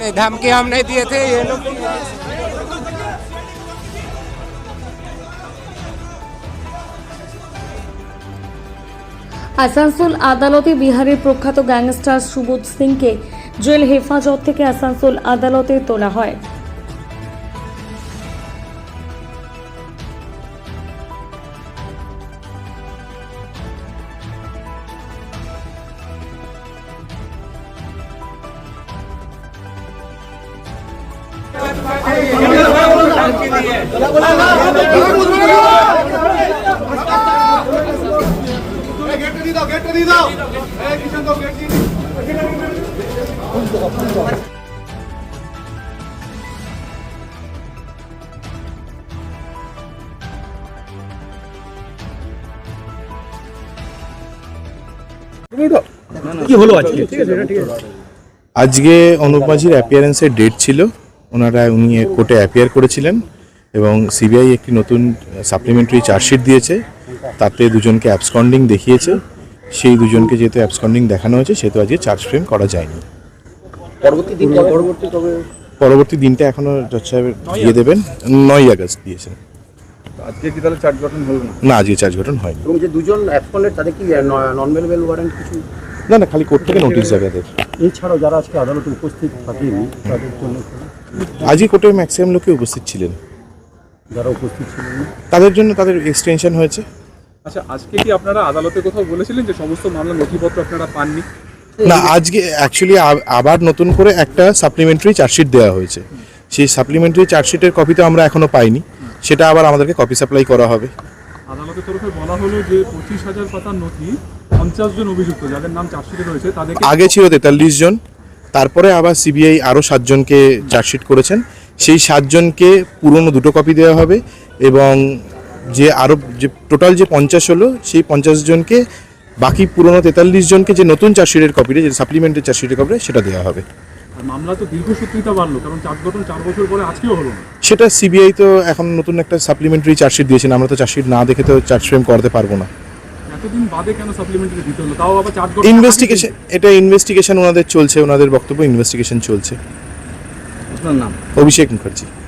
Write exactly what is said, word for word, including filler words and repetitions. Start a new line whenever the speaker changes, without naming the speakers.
धमकी हम नहीं दिए थे, ये लोग।
আসানসোল আদালতে বিহারের প্রখ্যাত গ্যাংস্টার সুবোধ সিংকে জেল হেফাজত থেকে আসানসোল আদালতে তোলা হয়।
কি হলো আজকে? ঠিক আছে, ঠিক আছে। আজকে অনুপ মাঝির অ্যাপিয়ারেন্সের ডেট ছিল, ওনারা উনি কোর্টে অ্যাপিয়ার করেছিলেন এবং সিবিআই একটি নতুন সাপ্লিমেন্টারি চার্জশিট দিয়েছে, তাতে দুজনকে অ্যাবসকন্ডিং দেখিয়েছে। সেই দুজনকে যেহেতু অ্যাবসকন্ডিং দেখানো হয়েছে সেহেতু আজকে চার্জ ফ্রেম করা যায়নি।
পরবর্তী দিন পরবর্তী তবে
পরবর্তী দিনটা এখনো জজ সাহেব দিয়ে দেবেন, নয় আগস্ট দিয়েছেন।
আজকে কি তাহলে চার্জ গঠন হলো না?
না, আজকে চার্জ গঠন হয়নি।
এবং যে দুজন অ্যাবসকন্ডেড তাদের কি নন বেলেবল ওয়ারেন্ট কিছু?
না না, খালি কোর্ট থেকে নোটিশ যাবে তাদের।
এছাড়াও যারা আজকে আদালতে উপস্থিত থাকেনি তাদের জন্য
আজকে কোর্টে ম্যাক্সিমাম লোকে উপস্থিত ছিলেন,
যারা উপস্থিত ছিলেন
তাদের জন্য তাদের এক্সটেনশন হয়েছে।
আচ্ছা, আজকে কি আপনারা আদালতে কোথাও বলেছিলেন যে সমস্ত মামলার নথিপত্র আপনারা পাননি?
না, আজকে অ্যাকচুয়ালি আবার নতুন করে একটা সাপ্লিমেন্টারি চার্জশিট দেওয়া হয়েছে, সেই সাপ্লিমেন্টারি চার্জশিটের কপি তো আমরা এখনো পাইনি, সেটা আবার আমাদেরকে কপি সাপ্লাই করা হবে।
আদালতের তরফে বলা হলো যে পঁচিশ হাজার পাতার নথি পঞ্চাশ জন অভিযুক্ত যাদের নাম চার্জশিটে রয়েছে তাদেরকে,
আগে ছিল তেতাল্লিশ জন, তারপরে আবার সিবিআই আরও সাতজনকে চার্জশিট করেছেন, সেই সাতজনকে পুরনো দুটো কপি দেওয়া হবে এবং যে আরও যে টোটাল যে পঞ্চাশ হলো সেই পঞ্চাশ জনকে বাকি পুরনো তেতাল্লিশ জনকে যে নতুন চার্জশিটের কপিটা, যে সাপ্লিমেন্টারি চার্জশিটের কপিটা সেটা দেওয়া হবে।
মামলা তো দীর্ঘসূত্রিতা বাড়লো, কারণ চার্জ গঠন চার বছর পরে আজকেও হলো না।
সেটা সিবিআই তো এখন নতুন একটা সাপ্লিমেন্টারি চার্জশিট দিয়েছেন, আমরা তো চার্জশিট না দেখে তো চার্জ ফ্রেম করতে পারবো না।
এতদিন বাদে কেন সাপ্লিমেন্টারি দিতে হলো, তাও আবার চার্জ গঠন?
ইনভেস্টিগেশন, এটা ইনভেস্টিগেশন ওনাদের চলছে, ওনাদের বক্তব্য ইনভেস্টিগেশন চলছে।
আপনার নাম?
অভিষেক মুখার্জি।